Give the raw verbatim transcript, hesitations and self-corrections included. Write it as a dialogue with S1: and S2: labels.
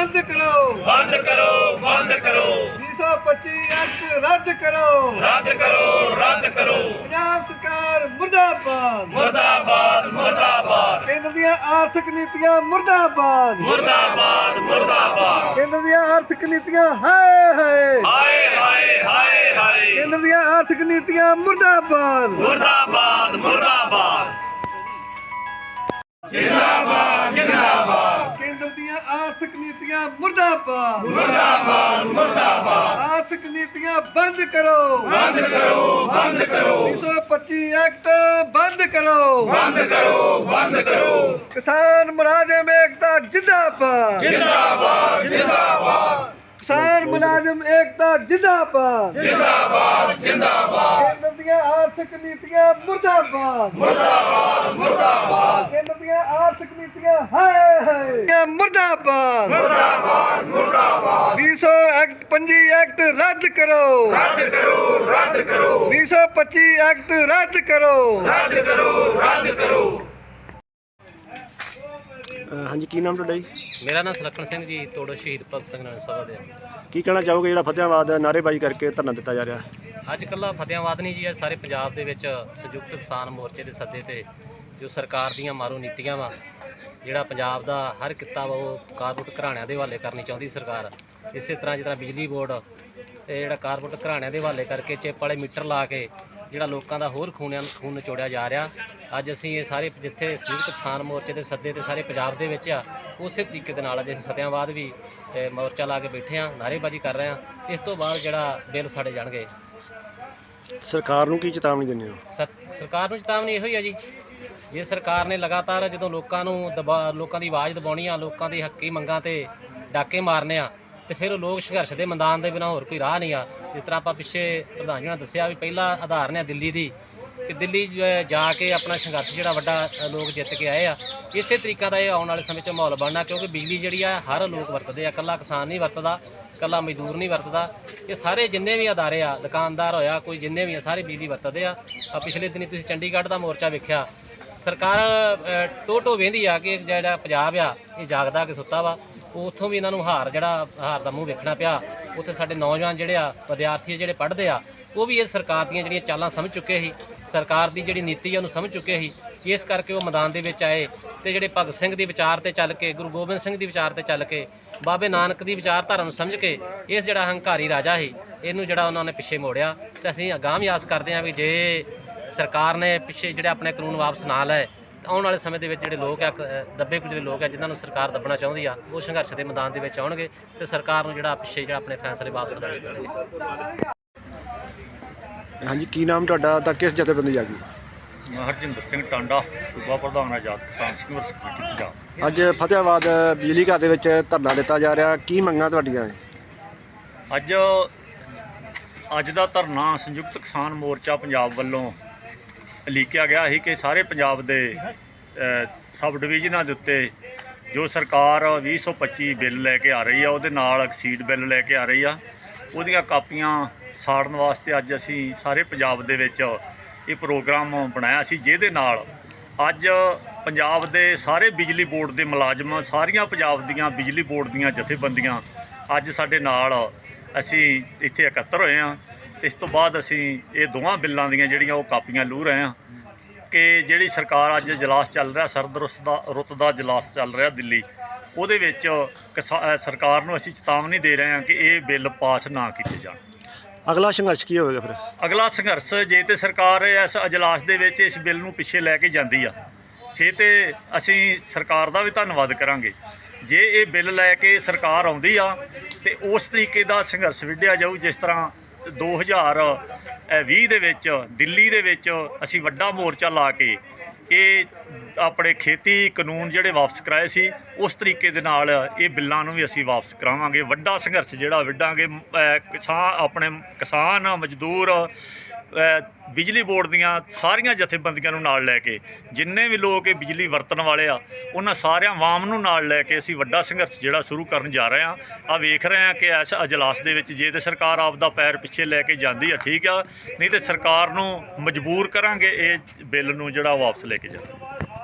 S1: बंद करो
S2: बंद करो बंद करो
S1: बीस सौ पच्चीस एक्ट रद्द करो
S2: रद्द करो रद्द करो
S1: पंजाब सरकार मुर्दाबाद
S2: मुर्दाबाद मुर्दाबाद
S1: केंद्र ਦੀਆਂ ਆਰਥਿਕ ਨੀਤੀਆਂ मुर्दाबाद
S2: मुर्दाबाद मुर्दाबाद
S1: केंद्र ਦੀਆਂ ਆਰਥਿਕ ਨੀਤੀਆਂ ਹਾਏ ਹਾਏ
S2: हाय हाय हाय हाय
S1: केंद्र ਦੀਆਂ ਆਰਥਿਕ ਨੀਤੀਆਂ मुर्दाबाद
S2: मुर्दाबाद मुर्दाबाद जिंदाबाद जिंदाबाद
S1: केंद्र ਦੀਆਂ ਆਰਥਿਕ ਨੀਤੀਆਂ मुर्दाबाद
S2: मुर्दाबाद मुर्दाबाद
S1: आर्थिक नीतियां बंद करो
S2: बंद करो बंद करो
S1: बीस सौ पच्चीस एक्ट बंद करो
S2: बंद करो बंद करो
S1: किसान मुलाजिम एकता जिंदाबाद
S2: जिंदाबाद जिंदाबाद
S1: किसान मुलाजिम एकता जिंदाबाद
S2: जिंदाबाद जिंदाबाद
S1: केंद्र ਦੀਆਂ ਆਰਥਿਕ ਨੀਤੀਆਂ मुर्दाबाद
S2: मुर्दाबाद मुर्दाबाद
S1: केंद्र ਦੀਆਂ ਆਰਥਿਕ ਨੀਤੀਆਂ ਹਾਏ ਹਾਏ मुर्दाबाद
S2: मुर्दाबाद मुर्दाबाद
S1: बीस सौ एक्ट पंजी एक्ट रद्द करो
S2: रद्द करो रद्द करो
S1: बीस सौ पच्चीस एक्ट रद्द करो
S2: रद्द करो रद्द करो
S3: ਹਾਂਜੀ ਕੀ ਨਾਮ ਤੁਹਾਡਾ ਜੀ?
S4: ਮੇਰਾ ਨਾਮ ਸੁਲੱਖਣ ਸਿੰਘ ਜੀ, ਤੋੜੋ ਸ਼ਹੀਦ ਭਗਤ ਸਿੰਘ ਨਗਰ ਸਭਾ ਦੇ।
S3: ਕੀ ਕਹਿਣਾ ਚਾਹੋਗੇ ਜਿਹੜਾ ਫਤਿਆਬਾਦ ਨਾਅਰੇਬਾਜ਼ੀ ਕਰਕੇ ਧਰਨਾ ਦਿੱਤਾ ਜਾ ਰਿਹਾ?
S4: ਅੱਜ ਕੱਲ੍ਹ ਫਤਿਆਬਾਦ ਨਹੀਂ ਜੀ, ਅੱਜ ਸਾਰੇ ਪੰਜਾਬ ਦੇ ਵਿੱਚ ਸੰਯੁਕਤ ਕਿਸਾਨ ਮੋਰਚੇ ਦੇ ਸੱਦੇ ਤੇ ਜੋ ਸਰਕਾਰ ਦੀਆਂ ਮਾਰੂ ਨੀਤੀਆਂ ਵਾ, ਜਿਹੜਾ ਪੰਜਾਬ ਦਾ ਹਰ ਕਿੱਤਾ ਵਾ ਉਹ ਕਾਰਪੋਰੇਟ ਘਰਾਣਿਆਂ ਦੇ ਹਵਾਲੇ ਕਰਨੀ ਚਾਹੁੰਦੀ ਸਰਕਾਰ। ਇਸੇ ਤਰ੍ਹਾਂ ਜਿਸ ਤਰ੍ਹਾਂ ਬਿਜਲੀ ਬੋਰਡ ਇਹ ਜਿਹੜਾ ਕਾਰਪੋਰੇਟ ਘਰਾਣਿਆਂ ਦੇ ਹਵਾਲੇ ਕਰਕੇ ਚਿੱਪ ਵਾਲੇ ਮੀਟਰ ਲਾ ਕੇ ਜਿਹੜਾ ਲੋਕਾਂ ਦਾ ਹੋਰ ਖੂਨਿਆਂ ਖੂਨ ਨਿਚੋੜਿਆ ਜਾ ਰਿਹਾ। ਅੱਜ ਅਸੀਂ ਇਹ ਸਾਰੇ ਜਿੱਥੇ ਸੰਯੁਕਤ ਕਿਸਾਨ ਮੋਰਚੇ ਦੇ ਸੱਦੇ ਤੇ ਸਾਰੇ ਪੰਜਾਬ ਦੇ ਵਿੱਚ ਆ, ਉਸੇ ਤਰੀਕੇ ਦੇ ਨਾਲ ਅੱਜ ਅਸੀਂ ਫਤਿਆਬਾਦ ਵੀ ਮੋਰਚਾ ਲਾ ਕੇ ਬੈਠੇ ਹਾਂ, ਨਾਅਰੇਬਾਜ਼ੀ ਕਰ ਰਹੇ ਹਾਂ। ਇਸ ਤੋਂ ਬਾਅਦ ਜਿਹੜਾ ਬਿੱਲ ਸਾੜੇ ਜਾਣਗੇ।
S3: ਸਰਕਾਰ ਨੂੰ ਕੀ ਚੇਤਾਵਨੀ ਦਿੰਦੇ ਹੋ?
S4: ਸਰ ਸਰਕਾਰ ਨੂੰ ਚੇਤਾਵਨੀ ਇਹੋ ਹੀ ਆ ਜੀ, ਜੇ ਸਰਕਾਰ ਨੇ ਲਗਾਤਾਰ ਜਦੋਂ ਲੋਕਾਂ ਨੂੰ ਦਬਾ ਲੋਕਾਂ ਦੀ ਆਵਾਜ਼ ਦਬਾਉਣੀ ਆ, ਲੋਕਾਂ ਦੀ ਹੱਕੀ ਮੰਗਾਂ ਤੇ ਡਾਕੇ ਮਾਰਨੇ ਆ, ਤੇ ਫਿਰ ਉਹ ਲੋਕ ਸੰਘਰਸ਼ ਦੇ ਮੈਦਾਨ ਦੇ ਬਿਨਾਂ ਹੋਰ ਕੋਈ ਰਾਹ ਨਹੀਂ ਆ। ਜਿਸ ਤਰ੍ਹਾਂ ਆਪਾਂ ਪਿੱਛੇ ਪ੍ਰਧਾਨ ਜੀ ਨੇ ਦੱਸਿਆ ਵੀ ਪਹਿਲਾ ਆਧਾਰਨ ਆ ਦਿੱਲੀ ਦੀ, ਕਿ ਦਿੱਲੀ ਜਾ ਕੇ ਆਪਣਾ ਸੰਘਰਸ਼ ਜਿਹੜਾ ਵੱਡਾ ਲੋਕ ਜਿੱਤ ਕੇ ਆਏ ਆ। ਇਸੇ ਤਰੀਕਾ ਦਾ ਇਹ ਆਉਣ ਵਾਲੇ ਸਮੇਂ 'ਚ ਮਾਹੌਲ ਬਣਨਾ, ਕਿਉਂਕਿ ਬਿਜਲੀ ਜਿਹੜੀ ਆ ਹਰ ਲੋਕ ਵਰਤਦੇ ਆ, ਇਕੱਲਾ ਕਿਸਾਨ ਨਹੀਂ ਵਰਤਦਾ, ਇਕੱਲਾ ਮਜ਼ਦੂਰ ਨਹੀਂ ਵਰਤਦਾ। ਇਹ ਸਾਰੇ ਜਿੰਨੇ ਵੀ ਅਦਾਰੇ ਆ, ਦੁਕਾਨਦਾਰ ਹੋਇਆ ਕੋਈ ਜਿੰਨੇ ਵੀ ਆ, ਸਾਰੇ ਬਿਜਲੀ ਵਰਤਦੇ ਆ। ਆ ਪਿਛਲੇ ਦਿਨੀ ਤੁਸੀਂ ਚੰਡੀਗੜ੍ਹ ਦਾ ਮੋਰਚਾ ਵੇਖਿਆ, ਸਰਕਾਰ ਟੋ ਟੋ ਵਹਿੰਦੀ ਆ ਕਿ ਜਿਹੜਾ ਪੰਜਾਬ ਆ ਇਹ ਜਾਗਦਾ ਕਿ ਸੁੱਤਾ ਵਾ। ਉੱਥੋਂ ਵੀ ਇਹਨਾਂ ਨੂੰ ਹਾਰ ਜਿਹੜਾ ਹਾਰ ਦਾ ਮੂੰਹ ਵੇਖਣਾ ਪਿਆ। ਉੱਥੇ ਸਾਡੇ ਨੌਜਵਾਨ ਜਿਹੜੇ ਆ, ਵਿਦਿਆਰਥੀ ਜਿਹੜੇ ਪੜ੍ਹਦੇ ਆ, ਉਹ ਵੀ ਇਹ ਸਰਕਾਰ ਦੀਆਂ ਜਿਹੜੀਆਂ ਚਾਲਾਂ ਸਮਝ ਚੁੱਕੇ ਸੀ, ਸਰਕਾਰ ਦੀ ਜਿਹੜੀ ਨੀਤੀ ਆ ਉਹਨੂੰ ਸਮਝ ਚੁੱਕੇ ਸੀ। ਇਸ ਕਰਕੇ ਉਹ ਮੈਦਾਨ ਦੇ ਵਿੱਚ ਆਏ ਤੇ ਜਿਹੜੇ ਭਗਤ ਸਿੰਘ ਦੀ ਵਿਚਾਰ ਤੇ ਚੱਲ ਕੇ, ਗੁਰੂ ਗੋਬਿੰਦ ਸਿੰਘ ਦੀ ਵਿਚਾਰ ਤੇ ਚੱਲ ਕੇ, ਬਾਬੇ ਨਾਨਕ ਦੀ ਵਿਚਾਰਧਾਰਾ ਨੂੰ ਸਮਝ ਕੇ ਇਸ ਜਿਹੜਾ ਹੰਕਾਰੀ ਰਾਜਾ ਸੀ ਇਹਨੂੰ ਜਿਹੜਾ ਉਹਨਾਂ ਨੇ ਪਿੱਛੇ ਮੋੜਿਆ। ਤੇ ਅਸੀਂ ਅਗਾਂਹ ਵੀ ਆਸ ਕਰਦੇ ਹਾਂ ਵੀ ਜੇ ਸਰਕਾਰ ਨੇ ਪਿੱਛੇ ਜਿਹੜੇ ਆਪਣੇ ਕਾਨੂੰਨ ਵਾਪਸ ਨਾ ਲਏ, ਆਉਣ ਵਾਲੇ ਸਮੇਂ ਦੇ ਵਿੱਚ ਜਿਹੜੇ ਲੋਕ ਆ, ਦੱਬੇ ਕੁਚਲੇ ਲੋਕ ਆ ਜਿਨ੍ਹਾਂ ਨੂੰ ਸਰਕਾਰ ਦੱਬਣਾ ਚਾਹੁੰਦੀ ਆ, ਉਹ ਸੰਘਰਸ਼ ਦੇ ਮੈਦਾਨ ਦੇ ਵਿੱਚ ਆਉਣਗੇ ਤੇ ਸਰਕਾਰ ਨੂੰ ਜਿਹੜਾ ਪਿੱਛੇ ਜਿਹੜਾ ਆਪਣੇ ਫੈਸਲੇ ਵਾਪਸ ਲੈਣੇ ਪੈਣਗੇ।
S3: ਹਾਂਜੀ ਕੀ ਨਾਮ ਤੁਹਾਡਾ ਤਾਂ ਕਿਸ ਜਥੇਬੰਦੀ ਆ ਗਈ?
S5: ਹਰਜਿੰਦਰ ਸਿੰਘ ਟਾਂਡਾ, ਸੂਬਾ ਪ੍ਰਧਾਨ ਆਜ਼ਾਦ ਕਿਸਾਨ ਸੰਘਰਸ਼ ਕਮੇਟੀ ਪੰਜਾਬ।
S3: ਅੱਜ ਫਤਿਆਬਾਦ ਬਿਜਲੀ ਘਰ ਦੇ ਵਿੱਚ ਧਰਨਾ ਦਿੱਤਾ ਜਾ ਰਿਹਾ, ਕੀ ਮੰਗਾਂ ਤੁਹਾਡੀਆਂ?
S5: ਅੱਜ ਅੱਜ ਦਾ ਧਰਨਾ ਸੰਯੁਕਤ ਕਿਸਾਨ ਮੋਰਚਾ ਪੰਜਾਬ ਵੱਲੋਂ ਲਿਖਿਆ ਗਿਆ ਸੀ ਕਿ ਸਾਰੇ ਪੰਜਾਬ ਦੇ ਸਬ ਡਿਵੀਜ਼ਨਾਂ ਦੇ ਉੱਤੇ ਜੋ ਸਰਕਾਰ ਵੀਹ ਸੌ ਪੱਚੀ ਬਿੱਲ ਲੈ ਕੇ ਆ ਰਹੀ ਆ, ਉਹਦੇ ਨਾਲ ਐਕਸੀਡ ਬਿੱਲ ਲੈ ਕੇ ਆ ਰਹੀ ਆ, ਉਹਦੀਆਂ ਕਾਪੀਆਂ ਸਾੜਨ ਵਾਸਤੇ ਅੱਜ ਅਸੀਂ ਸਾਰੇ ਪੰਜਾਬ ਦੇ ਵਿੱਚ ਇਹ ਪ੍ਰੋਗਰਾਮ ਬਣਾਇਆ ਸੀ, ਜਿਹਦੇ ਨਾਲ ਅੱਜ ਪੰਜਾਬ ਦੇ ਸਾਰੇ ਬਿਜਲੀ ਬੋਰਡ ਦੇ ਮੁਲਾਜ਼ਮ, ਸਾਰੀਆਂ ਪੰਜਾਬ ਦੀਆਂ ਬਿਜਲੀ ਬੋਰਡ ਦੀਆਂ ਜਥੇਬੰਦੀਆਂ ਅੱਜ ਸਾਡੇ ਨਾਲ ਅਸੀਂ ਇੱਥੇ ਇਕੱਤਰ ਹੋਏ ਹਾਂ। ਇਸ ਤੋਂ ਬਾਅਦ ਅਸੀਂ ਇਹ ਦੋਵਾਂ ਬਿੱਲਾਂ ਦੀਆਂ ਜਿਹੜੀਆਂ ਉਹ ਕਾਪੀਆਂ ਲੂ ਰਹੇ ਹਾਂ ਕਿ ਜਿਹੜੀ ਸਰਕਾਰ ਅੱਜ ਇਜਲਾਸ ਚੱਲ ਰਿਹਾ, ਸਰਦ ਰੁੱਤ ਦਾ ਰੁੱਤ ਦਾ ਇਜਲਾਸ ਚੱਲ ਰਿਹਾ ਦਿੱਲੀ, ਉਹਦੇ ਵਿੱਚ ਕਿਸਾ ਸਰਕਾਰ ਨੂੰ ਅਸੀਂ ਚੇਤਾਵਨੀ ਦੇ ਰਹੇ ਹਾਂ ਕਿ ਇਹ ਬਿੱਲ ਪਾਸ ਨਾ ਕੀਤੇ ਜਾਣ।
S3: ਅਗਲਾ ਸੰਘਰਸ਼ ਕੀ ਹੋਵੇਗਾ ਫਿਰ?
S5: ਅਗਲਾ ਸੰਘਰਸ਼ ਜੇ ਤੇ ਸਰਕਾਰ ਇਸ ਇਜਲਾਸ ਦੇ ਵਿੱਚ ਇਸ ਬਿੱਲ ਨੂੰ ਪਿੱਛੇ ਲੈ ਕੇ ਜਾਂਦੀ ਆ, ਫਿਰ ਤੇ ਅਸੀਂ ਸਰਕਾਰ ਦਾ ਵੀ ਧੰਨਵਾਦ ਕਰਾਂਗੇ। ਜੇ ਇਹ ਬਿੱਲ ਲੈ ਕੇ ਸਰਕਾਰ ਆਉਂਦੀ ਆ ਤੇ ਉਸ ਤਰੀਕੇ ਦਾ ਸੰਘਰਸ਼ ਵਿੱਢਿਆ ਜਾਊ ਜਿਸ ਤਰ੍ਹਾਂ ਦੋ ਹਜ਼ਾਰ ਵੀਹ ਦੇ ਵਿੱਚ ਦਿੱਲੀ ਦੇ ਵਿੱਚ ਅਸੀਂ ਵੱਡਾ ਮੋਰਚਾ ਲਾ ਕੇ ਇਹ ਆਪਣੇ ਖੇਤੀ ਕਾਨੂੰਨ ਜਿਹੜੇ ਵਾਪਸ ਕਰਾਏ ਸੀ, ਉਸ ਤਰੀਕੇ ਦੇ ਨਾਲ ਇਹ ਬਿੱਲਾਂ ਨੂੰ ਵੀ ਅਸੀਂ ਵਾਪਸ ਕਰਾਵਾਂਗੇ। ਵੱਡਾ ਸੰਘਰਸ਼ ਜਿਹੜਾ ਵਿੱਢਾਂਗੇ। ਕਿਸਾਨ ਆਪਣੇ ਕਿਸਾਨ, ਮਜ਼ਦੂਰ, ਬਿਜਲੀ ਬੋਰਡ ਦੀਆਂ ਸਾਰੀਆਂ ਜਥੇਬੰਦੀਆਂ ਨੂੰ ਨਾਲ ਲੈ ਕੇ, ਜਿੰਨੇ ਵੀ ਲੋਕ ਇਹ ਬਿਜਲੀ ਵਰਤਣ ਵਾਲੇ ਆ, ਉਹਨਾਂ ਸਾਰਿਆਂ ਆਵਾਮ ਨੂੰ ਨਾਲ ਲੈ ਕੇ ਅਸੀਂ ਵੱਡਾ ਸੰਘਰਸ਼ ਜਿਹੜਾ ਸ਼ੁਰੂ ਕਰਨ ਜਾ ਰਹੇ ਹਾਂ। ਆ ਵੇਖ ਰਹੇ ਹਾਂ ਕਿ ਇਸ ਅਜਲਾਸ ਦੇ ਵਿੱਚ ਜੇ ਤੇ ਸਰਕਾਰ ਆਪ ਦਾ ਪੈਰ ਪਿੱਛੇ ਲੈ ਕੇ ਜਾਂਦੀ ਆ ਠੀਕ ਆ, ਨਹੀਂ ਤੇ ਸਰਕਾਰ ਨੂੰ ਮਜਬੂਰ ਕਰਾਂਗੇ ਇਹ ਬਿੱਲ ਨੂੰ ਜਿਹੜਾ ਵਾਪਸ ਲੈ ਕੇ ਜਾਣਾ।